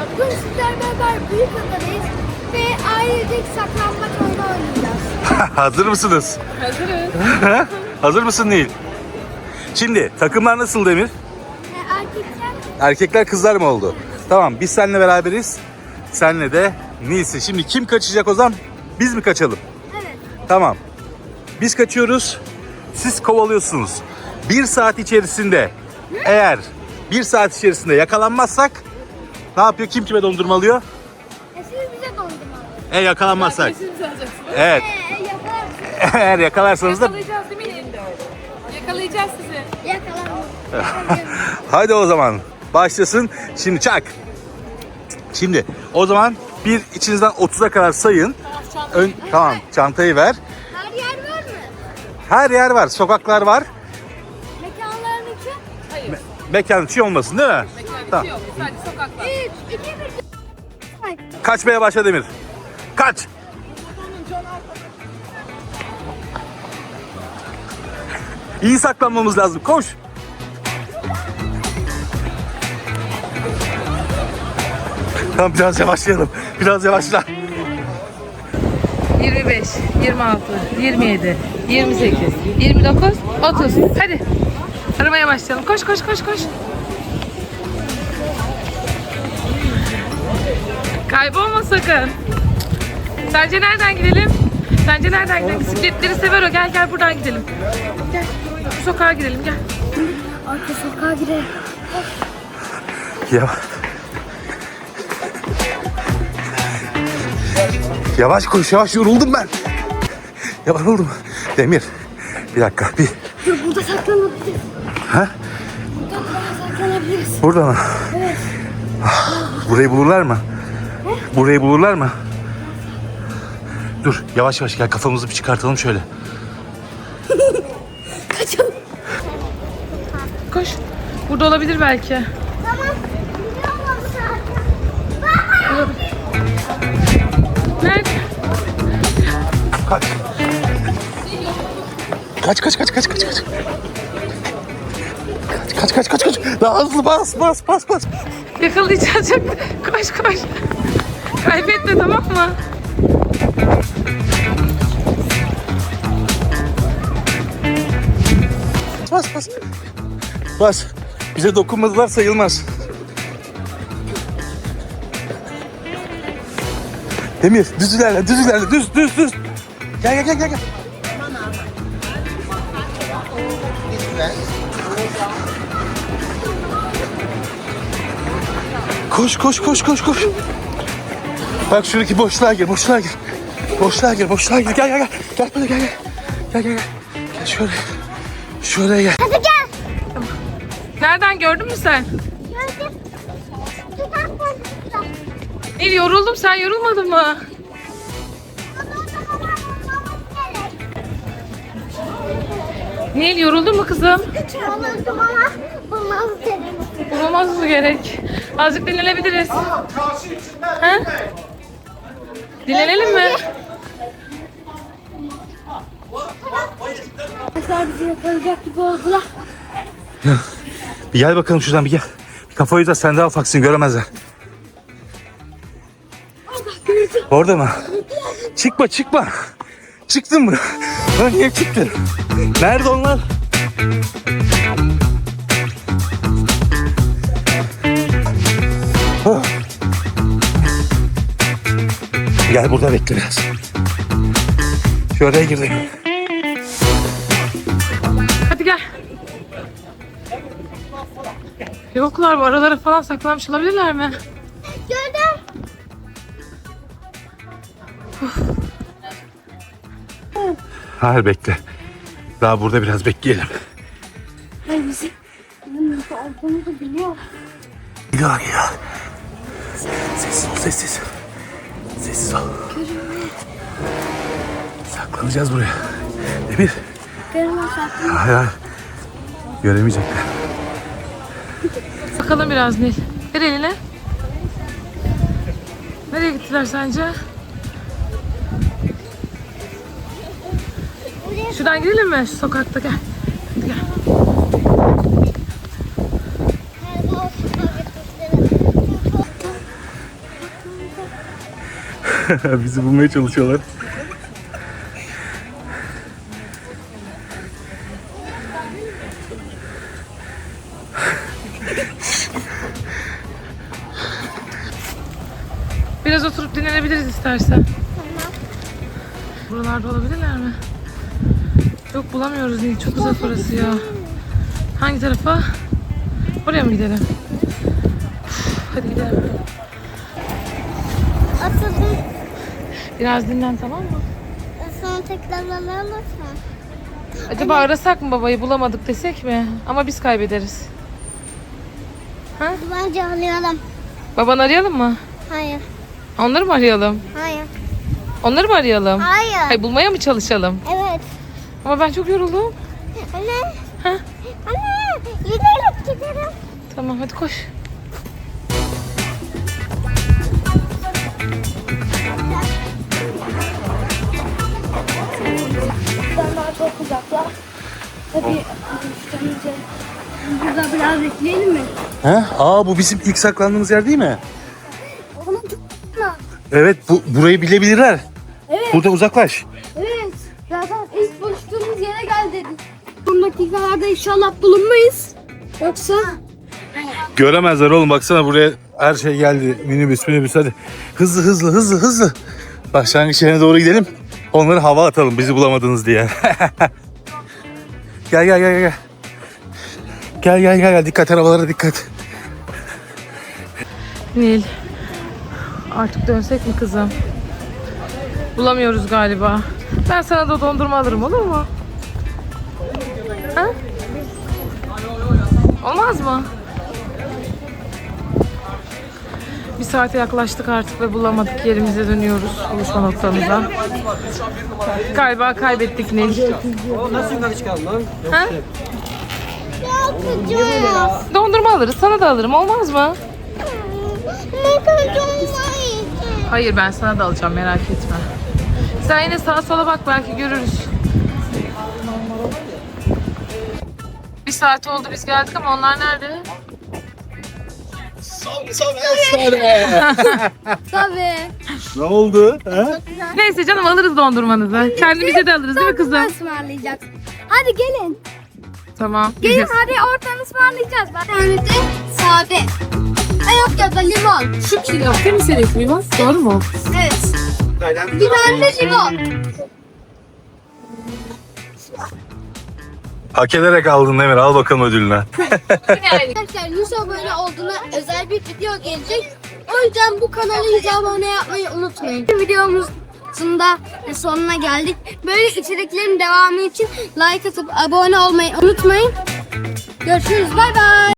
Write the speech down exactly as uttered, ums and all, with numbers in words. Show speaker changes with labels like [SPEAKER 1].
[SPEAKER 1] Bugün sizlerle beraber büyük adadayız ve ailecek saklanmaç oyunu oynayacağız.
[SPEAKER 2] Hazır mısınız?
[SPEAKER 3] Hazırız.
[SPEAKER 2] Hazır mısın Nil? Şimdi takımlar nasıl Demir?
[SPEAKER 1] E, erkekler
[SPEAKER 2] Erkekler kızlar mı oldu? Tamam, biz seninle beraberiz. Senle de Nil'sin. Şimdi kim kaçacak o zaman? Biz mi kaçalım?
[SPEAKER 1] evet.
[SPEAKER 2] Tamam. Biz kaçıyoruz. Siz kovalıyorsunuz. Bir saat içerisinde eğer bir saat içerisinde yakalanmazsak ne yapıyor? Kim kime dondurma alıyor?
[SPEAKER 1] E, siz bize dondurma alın.
[SPEAKER 2] E yakalanmazsak.
[SPEAKER 3] Arkadaşınızı alacaksınız.
[SPEAKER 2] Evet.
[SPEAKER 1] E, yakalarsın.
[SPEAKER 2] Eğer yakalarsanız da
[SPEAKER 3] Yakalayacağız değil mi? Yakalayacağız sizi.
[SPEAKER 1] Yakalanın.
[SPEAKER 2] hadi o zaman başlasın. Şimdi çak. Şimdi o zaman bir içinizden otuza kadar sayın. Ön, tamam, çantayı ver.
[SPEAKER 1] Her yer var mı?
[SPEAKER 2] Her yer var. Sokaklar var.
[SPEAKER 1] Mekanların içi.
[SPEAKER 3] Hayır.
[SPEAKER 2] Mekan içi olmasın değil mi?
[SPEAKER 3] Mekan
[SPEAKER 2] Tamam.
[SPEAKER 3] yok. Sadece sokaklar.
[SPEAKER 1] üç, iki, bir. Hayır.
[SPEAKER 2] Kaçmaya başla Demir. Kaç. İyi saklanmamız lazım. Koş. Tamam, biraz yavaşlayalım. Biraz yavaşla.
[SPEAKER 3] yirmi beş, yirmi altı, yirmi yedi, yirmi sekiz, yirmi dokuz, otuz. Hadi. Aramaya başlayalım. Koş koş koş koş. Kaybolma sakın. Sence nereden gidelim? Sence nereden gidelim? Bisikletleri sever o. Gel gel buradan gidelim. Gel. Bu sokağa gidelim gel.
[SPEAKER 1] Arka sokağa girelim.
[SPEAKER 2] Ya. Yavaş koş, yavaş, yoruldum ben. Ya yoruldum. Demir, bir dakika, bir.
[SPEAKER 1] Dur, burada saklanabiliriz.
[SPEAKER 2] Ha?
[SPEAKER 1] Burada burada saklanabiliriz.
[SPEAKER 2] Burada mı?
[SPEAKER 1] Evet.
[SPEAKER 2] Burayı bulurlar mı? Burayı bulurlar mı? Dur, yavaş yavaş gel, kafamızı bir çıkartalım şöyle.
[SPEAKER 1] Kaçalım.
[SPEAKER 3] Koş. Burada olabilir belki.
[SPEAKER 1] Tamam. Biliyorum zaten.
[SPEAKER 3] Nerede?
[SPEAKER 2] Kaç. Kaç kaç kaç kaç kaç kaç. Kaç kaç kaç kaç kaç. Daha hızlı bas bas bas bas.
[SPEAKER 3] Yakalayacağız. Çok. Koş koş. Kaybetme tamam mı?
[SPEAKER 2] Bas bas. Bas. Bize dokunmadılar sayılmaz. Demir düz ilerle düz ilerle düz düz düz. Gel gel gel gel. gel. Koş koş koş koş koş. Bak şuradaki boşluğa gir boşluğa gir. Boşluğa gir boşluğa gir. Gel gel gel. Gel böyle gel gel. Gel gel gel. Gel şöyle. Şuraya gel.
[SPEAKER 1] Hadi gel.
[SPEAKER 3] Nereden gördün mü sen?
[SPEAKER 1] Gördüm. Tutak koymuşlar.
[SPEAKER 3] Nil yoruldum sen yorulmadın mı?
[SPEAKER 1] Ama o zaman bulmamız gerek.
[SPEAKER 3] Nil yoruldun mu kızım?
[SPEAKER 1] Yoruldum ama bulmamız gerek.
[SPEAKER 3] Bulmamız mı gerek? Azıcık dinlenebiliriz. Ha? Dinlenelim mi?
[SPEAKER 1] Arkadaşlar bizi yakalayacak gibi oldular.
[SPEAKER 2] Bir gel bakalım şuradan bir gel. Bir kafayı da sen daha ufaksın göremezler. Orada mı? Çıkma çıkma. Çıktın mı? Lan niye çıktın? Nerede onlar? Oh. Gel burada bekle biraz. Şuraya girdim.
[SPEAKER 3] Hadi gel. Yoklar bu aralara falan saklanmış olabilirler mi?
[SPEAKER 1] Gördüm.
[SPEAKER 2] Hayır bekle. Daha burada biraz bekleyelim.
[SPEAKER 1] Hayır bizi. Bizim nasıl olduğumuzu biliyor.
[SPEAKER 2] Geliyor geliyor. Sessiz ol sessiz. Sessiz ol. Saklanacağız buraya. Demir.
[SPEAKER 1] Göremez saklanıyor.
[SPEAKER 2] Hayır hayır. Göremeyecekler.
[SPEAKER 3] Bakalım biraz Nil. Ver eline. Nereye gittiler sence? Şuradan gidelim mi? Şu sokakta gel. Hadi gel.
[SPEAKER 2] Bizi bulmaya çalışıyorlar.
[SPEAKER 3] Biraz oturup dinlenebiliriz istersen. Buralarda olabilirler mi? Yok, bulamıyoruz Nil. Çok uzak orası ya. Hangi tarafa? Oraya mı gidelim? Uf, hadi gidelim.
[SPEAKER 1] Atıldım.
[SPEAKER 3] Biraz dinlen, tamam mı?
[SPEAKER 1] Sonra tekrar alalım.
[SPEAKER 3] Acaba arasak mı babayı, bulamadık desek mi? Ama biz kaybederiz. Ha?
[SPEAKER 1] Bence alayalım.
[SPEAKER 3] Babanı arayalım mı?
[SPEAKER 1] Hayır.
[SPEAKER 3] Onları mı arayalım?
[SPEAKER 1] Hayır.
[SPEAKER 3] Onları mı arayalım?
[SPEAKER 1] Hayır.
[SPEAKER 3] Hayır, bulmaya mı çalışalım?
[SPEAKER 1] Evet.
[SPEAKER 3] Ama ben çok yoruldum.
[SPEAKER 1] Anne.
[SPEAKER 3] Ha?
[SPEAKER 1] Anne. Gidelim gidelim.
[SPEAKER 3] Tamam, hadi koş.
[SPEAKER 1] Buradan daha çok uzaklar. Tabii. Üstümüze. Burada biraz bekleyelim mi?
[SPEAKER 2] He? Aa, bu bizim ilk saklandığımız yer değil mi?
[SPEAKER 1] Onu tutma.
[SPEAKER 2] Evet, bu burayı bilebilirler.
[SPEAKER 1] Evet.
[SPEAKER 2] Burada uzaklaş.
[SPEAKER 1] Evet. Zaten ilk buluştuğumuz yere gel dedik. Bu dakikalarda inşallah bulunmayız. Yoksa
[SPEAKER 2] Göremezler oğlum, baksana buraya her şey geldi. Minibüs minibüs, hadi. Hızlı hızlı hızlı hızlı. Başlangıç yerine doğru gidelim. Onları hava atalım bizi bulamadınız diye. Gel gel gel gel. Gel gel gel gel, dikkat, arabalara dikkat.
[SPEAKER 3] Nil. Artık dönsek mi kızım? Bulamıyoruz galiba. Ben sana da dondurma alırım, olur mu? Ha? Olmaz mı? Bir saate yaklaştık artık ve bulamadık. Yerimize dönüyoruz, buluşma noktamıza. Galiba kaybettik Nil. Ha?
[SPEAKER 1] yapacağız.
[SPEAKER 3] Dondurma alırız, sana da alırım, olmaz mı?
[SPEAKER 1] Ne kadar olmayacak.
[SPEAKER 3] Hayır, ben sana da alacağım, merak etme. Sen yine sağa sola bak, belki görürüz. Bir saat oldu biz geldik ama onlar nerede?
[SPEAKER 1] Tabii.
[SPEAKER 2] Ne oldu? Ha?
[SPEAKER 3] Neyse canım, alırız dondurmanızı. Kendimize de alırız değil mi kızım?
[SPEAKER 1] Ismarlayacağız. Hadi gelin.
[SPEAKER 3] Tamam.
[SPEAKER 1] Gelin
[SPEAKER 3] Yiyeceğiz.
[SPEAKER 1] hadi oradan ısmarlayacağız. Bir tane de sade. Ay yok ya da limon.
[SPEAKER 3] Şu kilo değil mi senin limon? Doğru mu?
[SPEAKER 1] Evet. Bir tane de limon.
[SPEAKER 2] Hak ederek aldın Emir, al bakalım ödülünü.
[SPEAKER 1] Arkadaşlar yüz abone olduğuna özel bir video gelecek. O yüzden bu kanala yüz abone yapmayı unutmayın. Videomuzun da sonuna geldik. Böyle içeriklerin devamı için like atıp abone olmayı unutmayın. Görüşürüz. Bay bay.